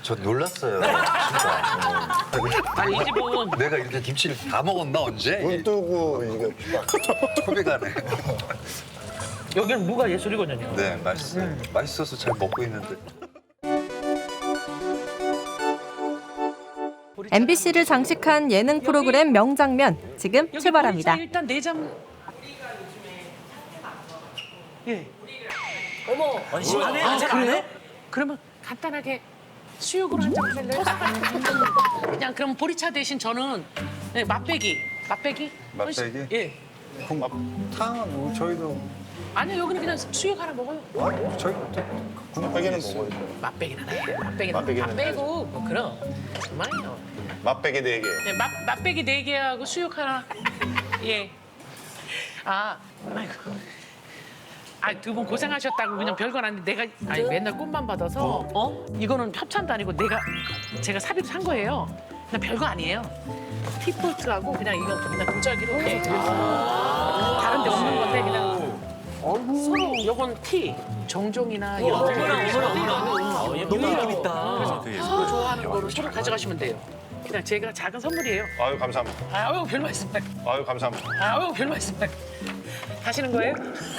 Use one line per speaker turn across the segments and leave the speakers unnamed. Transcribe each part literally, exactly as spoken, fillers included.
저 놀랐어요. 진짜.
아, 이 집은
내가 이렇게 김치를 다 먹었나 언제?
눈 뜨고 이거
컵이 가네.
여기는 무가 예술이거든요.
네, 맛있어요. 맛있어서 잘 먹고 있는데.
엠비씨를 장식한 예능 프로그램 명장면 지금
여기
출발합니다.
보리차 일단 내장. 예.
어머.
안 해? 아직 안 해? 그러면 간단하게 수육으로 한 장 하실래요? 그냥 그럼 보리차 대신 저는 네, 맛배기. 맛배기?
맛배기?
예.
탕은 뭐 저희도
아니요, 여기는 그냥 수육 하나 먹어요.
아, 저희
군백에는 먹어요.
맛배기는 해. 맛배기는
맛배기는
안 빼고 뭐 그럼. 정말요.
맛배기 네 개.
네, 맛, 맛배기 네 개하고 수육 하나. 예. 아, 아이고. 아, 두 분 고생하셨다고 그냥 별건 아닌데 내가 아니 맨날 꽃만 받아서 어? 이거는 협찬도 아니고 내가 제가 사비로 산 거예요. 그냥 별거 아니에요. 티포트하고 그냥 이거 그냥 도자기로 이렇게 드렸어요. 다른 데 없는 건데 그냥 서로 요건 티, 정종이나 이런 거.
너무 느낌 있다.
그래서 서로 좋아하는 거로 서로 가져가시면 돼요. 그냥 제가 작은 선물이에요.
아유 감사합니다.
아유, 별 말씀.
아유 감사합니다.
아유, 별 말씀. 하시는 거예요?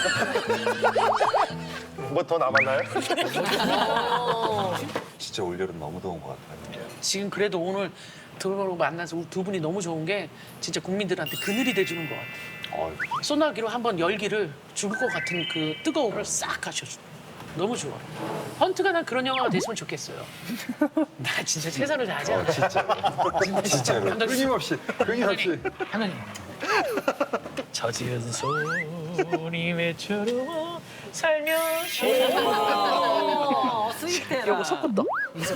뭐 더 남았나요?
진짜 올여름 너무 더운 것 같아요.
지금 그래도 오늘 들어오고 만나서 우리 두 분이 너무 좋은 게 진짜 국민들한테 그늘이 돼주는 것 같아요.
어이,
소나기로 한번 열기를 죽을 것 같은 그 뜨거움을 싹 하셔줘. 너무 좋아. 헌트가 난 그런 영화가 됐으면 좋겠어요. 나 진짜 최선을 다하지 않아.
진짜로
감독님.
끊임없이 끊임없이.
하나님. 저 지은 소리 외쳐로 살며시.
어, 스윗해라.
요거 속꽃도.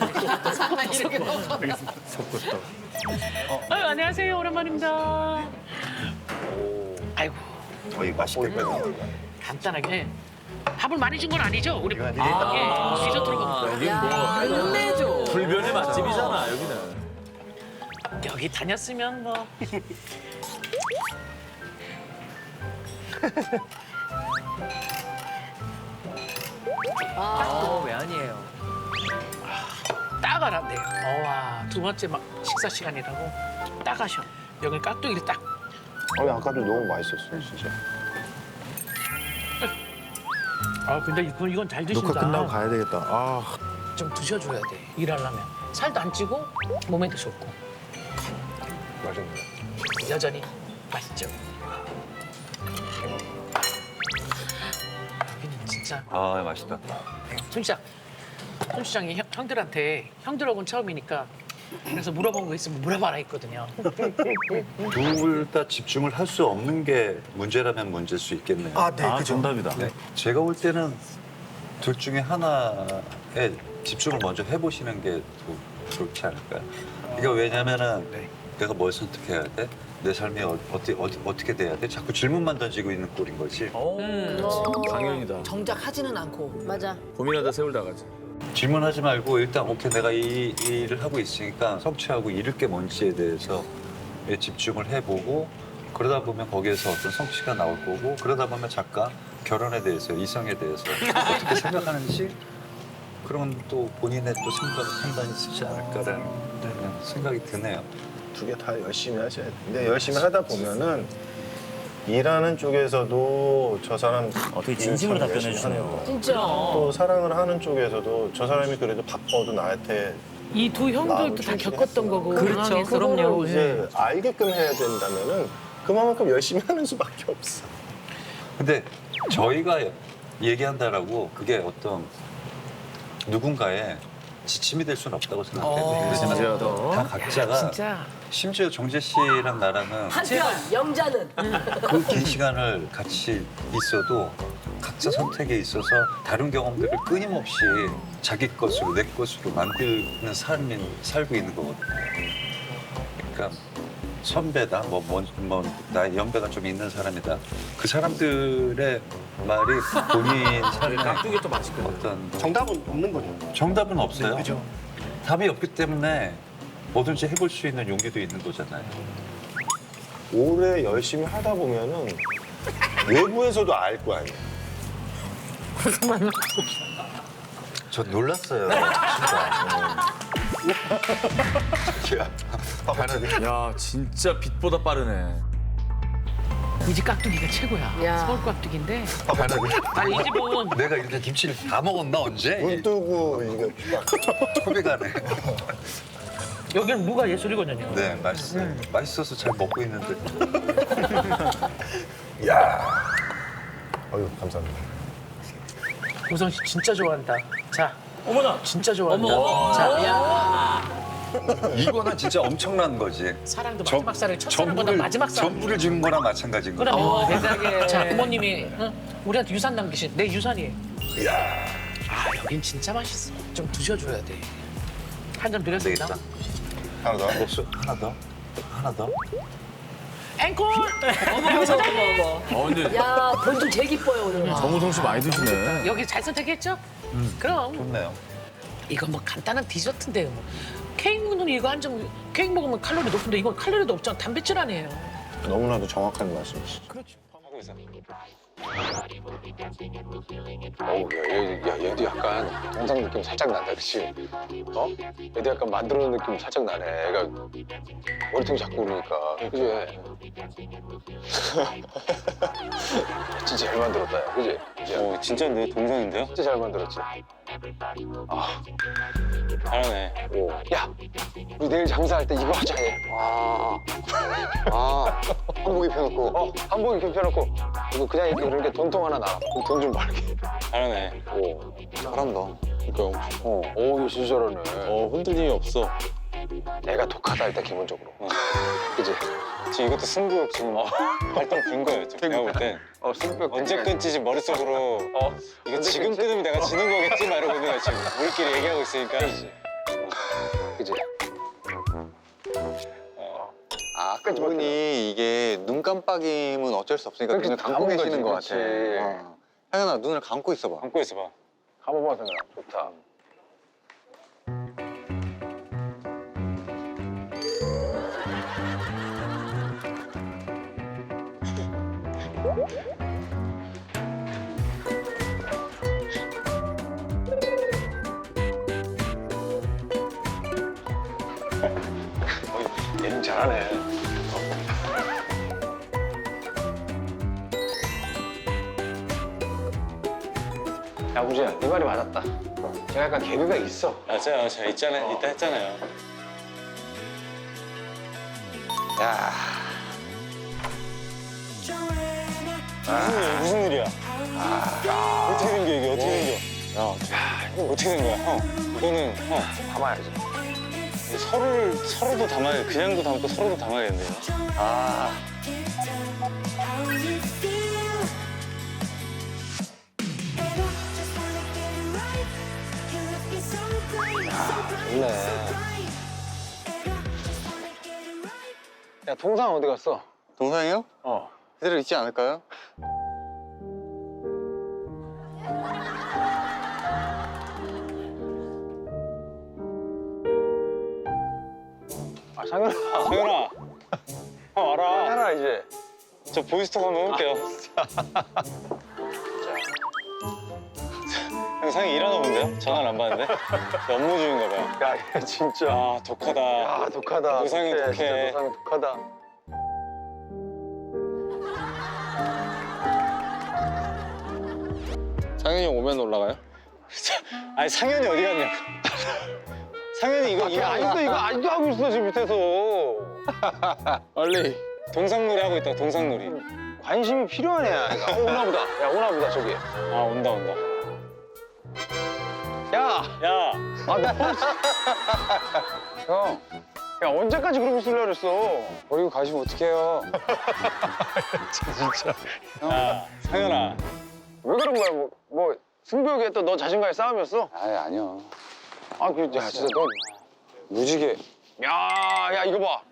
속꽃도.
아유, 안녕하세요. 오랜만입니다. 아이고,
어이 맛있겠다.
간단하게. 밥을 많이 준 건 아니죠? 우리
이거
아, 예, 디저트로 먹는 거예요.
야, 끝내줘.
불변의 맛집이잖아, 여기는.
여기 다녔으면 뭐.
아,
왜 아니에요?
딱 알았네요. 어와, 두 번째 막 식사 시간이라고 딱 하셔. 여기 깍두기를 딱.
아니 아까도 너무 맛있었어요 진짜.
아, 근데 이건, 이건 잘 드신다.
녹화 끝나고 가야 되겠다. 아
좀 드셔줘야 돼, 일하려면. 살도 안 찌고 몸에도 좋고.
맛있네.
여전히 맛있죠. 여기는 진짜
아 맛있다.
손 시장, 손 시장이 형, 형들한테 형들하고는 처음이니까 그래서 물어본 거 있으면 물어봐라 했거든요.
둘 다 집중을 할 수 없는 게 문제라면 문제일 수 있겠네요.
아 네,
아,
그죠.
정답이다.
네. 제가 볼 때는 둘 중에 하나에 집중을 먼저 해보시는 게 더 좋지 않을까요? 이거 왜냐면은 내가 뭘 선택해야 돼? 내 삶이 어, 어떻게, 어디, 어떻게 돼야 돼? 자꾸 질문만 던지고 있는 꼴인 거지.
음.
강연이다.
정작 하지는 않고. 맞아.
고민하다 세울다 가지.
질문하지 말고 일단 오케이 내가 이, 이 일을 하고 있으니까 성취하고 이룰 게 뭔지에 대해서 집중을 해보고 그러다 보면 거기에서 어떤 성취가 나올 거고 그러다 보면 작가 결혼에 대해서 이성에 대해서 어떻게 생각하는지 그런 또 본인의 또 생각, 판단이 있지 않을까라는 생각이 드네요.
두 개 다 열심히 하셔야 돼. 근데 열심히 하다 보면은 일하는 쪽에서도 저 사람
어, 되게 진심으로
일
답변해
열심히
주시네요.
하는 거.
진짜.
또 사랑을 하는 쪽에서도 저 사람이 그래도 바빠도 나한테
이 두 형들도 다 겪었던 거고.
그렇죠.
상황에서.
그럼요.
이제 알게끔 해야 된다면은 그만큼 열심히 하는 수밖에 없어.
근데 저희가 얘기한다라고 그게 어떤 누군가의 지침이 될 수는 없다고 생각해요. 왜냐면 다 각자가
진짜.
심지어 정재 씨랑 나랑은
한편 영자는
그 긴 시간을 같이 있어도 각자 선택에 있어서 다른 경험들을 끊임없이 자기 것으로 내 것으로 만드는 삶이 살고 있는 거거든요. 그러니까 선배다, 뭐, 뭐, 뭐 나의 연배가 좀 있는 사람이다. 그 사람들의 말이 본인 삶의
깍두기 또 맛있거든.
어떤
정답은 없는 거죠.
정답은 없어요.
네, 그죠.
답이 없기 때문에 뭐든지 해볼 수 있는 용기도 있는 거잖아요.
오래 열심히 하다 보면은 외부에서도 알 거 아니에요.
저 놀랐어요, 진짜. 야, 가는
야 진짜 빛보다 빠르네.
이 집 깍두기가 최고야.
야.
서울 깍두기인데.
가는
아니 이 집은
내가 이렇게 김치를 다 먹었나 언제?
눈 뜨고 이게 딱
컵이 가네.
여기는 무가 예술이거든요.
네, 맛있어요. 맛있어서 잘 먹고 있는데.
어유 감사합니다.
고성 씨 진짜 좋아한다. 자, 어머나 진짜 좋아한다. 자, 야.
이거는 진짜 엄청난 거지.
사랑도
전-
마지막 살을 첫사랑보다 마지막 살.
전부를 주는 거랑 마찬가지인 거야.
그럼 세상에. 자, 부모님이 응? 우리한테 유산 남기신 내 유산이에요.
이야,
아, 여긴 진짜 맛있어. 좀 드셔줘야 돼. 한 점 드렸습니다.
되겠다.
하나 더.
목수 하나 더, 하나 더.
앵콜!
어머 어머 어머.
아 근데
야 별좀 제일 기뻐요 오늘.
정우성 씨 많이 드시네.
여기 잘 선택했죠? 그럼
좋네요.
이거 뭐 간단한 디저트인데요. 뭐. 케이크는 이거 한 점 케이크 먹으면 칼로리 높은데 이건 칼로리도 없잖아. 단백질 아니에요.
너무나도 정확한 말씀이시죠.
어우, 야, 얘, 야, 얘도 약간 동상 느낌 살짝 난다, 그치? 어? 얘도 약간 만들어놓은 느낌 살짝 나네. 애가 머리통 잡고 그러니까. 그지? 진짜 잘 만들었다, 야, 그지? 어, 진짜 내 동상인데요? 진짜 잘 만들었지? 아, 잘하네. 오. 야, 우리 내일 장사할 때 이거 하자, 얘. 아, 아, 한복 입혀놓고, 어, 한복 입혀놓고, 이거 그냥 이렇게 그렇게 돈통 하나 나. 돈 좀 벌게. 잘하네. 오, 잘한다. 그러니까, 어, 오, 이거 진짜 잘하네. 어, 흔들림이 없어. 애가 독하다, 일단 기본적으로. 그지?
지금 이것도 승부욕 지금 활동 된 거예요. 지금 내가 볼 땐.
어, 승벽.
언제 끊지 지금 머릿속으로
어,
이거 지금 끊으면 내가 지는 거겠지? 막 이러고 있는 거야 지금. 우리끼리 얘기하고 있으니까.
그지?
아, 아까 분이 이게 눈 깜빡임은 어쩔 수 없으니까
그렇지,
눈을 감고
감은
계시는 것
거지,
같아.
그렇지.
어. 하연아, 눈을 감고 있어봐.
감고 있어봐.
한번 봐서 그냥 좋다. 어, 얘는 잘하네. 야, 우지야, 네 말이 맞았다. 제가 약간 개그가 있어.
맞아요. 제가 있잖아요. 이따 했잖아요.
야,
무슨 일, 무슨 일이야? 아, 어떻게 된 거야 이게? 어떻게 된 거야? 야, 어떻게, 이거 어떻게 된 거야? 형, 이거는 형
담아야지.
서로를 서로도 담아야 그냥도 담고 서로도 담아야겠네요.
아, 좋네. 야, 동상 어디 갔어?
동상이요?
어.
그대로 있지 않을까요?
아, 상현아.
상현아, 형 와라.
상현아, 이제.
저 보이스톡 한번 해볼게요. 형 상이 일하나 본데요? 전화를 안 받는데? 저 업무 중인가 봐요.
야, 얘 진짜.
아, 독하다.
야, 독하다.
노상이
독해,
독해.
진짜 노상이 독하다.
상현이 형 오면 올라가요? 아니 상현이 어디 갔냐고. 상현이 이거 이거
아직도
아직도
이거
이거
아직도 하고 있어, 지금 밑에서.
빨리 동상놀이 하고 있다. 동상놀이.
관심이 필요하네. 야, 어, 오나 보다. 야, 오나 보다, 저기.
아 온다 온다.
야,
야,
아, 너. 형. 야, 언제까지 그러고 있으려고 그랬어?
버리고 가시면 어떡해요? 야, 상현아.
왜 그런 거야? 뭐, 뭐 승부욕에 또 너 자신과의 싸움이었어?
아니 아니요.
아, 그, 야, 진짜 너 무지개. 야, 야, 이거 봐.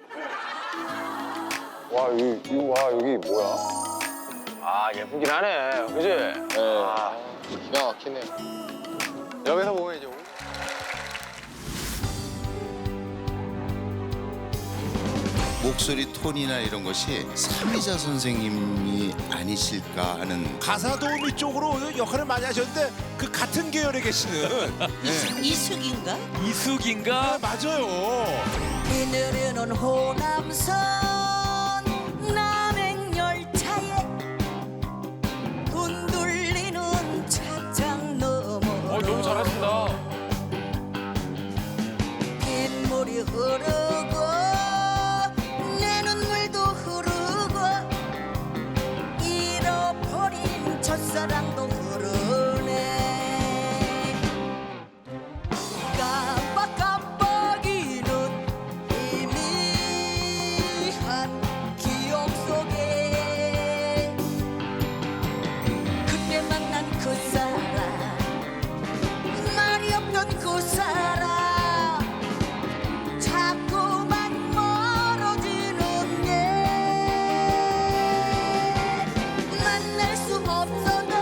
와, 이, 이거 와, 여기 뭐야? 아, 예쁘긴 하네. 그지? 네. 아,
기가 막히네요. 여기서 보면 이제
목소리 톤이나 이런 것이 삼이자 선생님이 아니실까 하는.
가사 도우미 쪽으로 역할을 많이 하셨는데 그 같은 계열에 계시는 네.
이숙인가?
이숙인가? 네, 맞아요.
이늘은 호남선 남행열차에 돈 돌리는 차장 넘어
어, 너무 잘하신다.
빗물이 흐르고 내 눈물도 흐르고 잃어버린 첫사랑도 흐르네. 깜빡깜빡이는 희미한 기억 속에 그때 만난 그 사람 말이 없던 그 사람 자꾸만 멀어지는 게 만날 수 없어도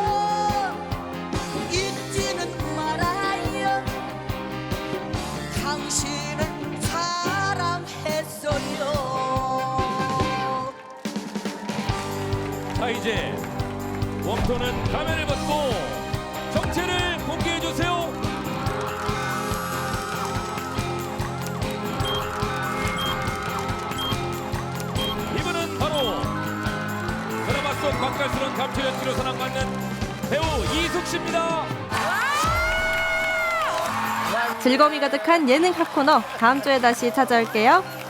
잊지는 말아요. 당신을 사랑했어요.
자 이제 웜톤은 가면을 벗고 정체를 공개해 주세요. 이분은 바로 드라마 속 맛깔스러운 감초 연기로 사랑받는 배우 이숙 씨입니다.
즐거움이 가득한 예능 핫코너 다음 주에 다시 찾아올게요.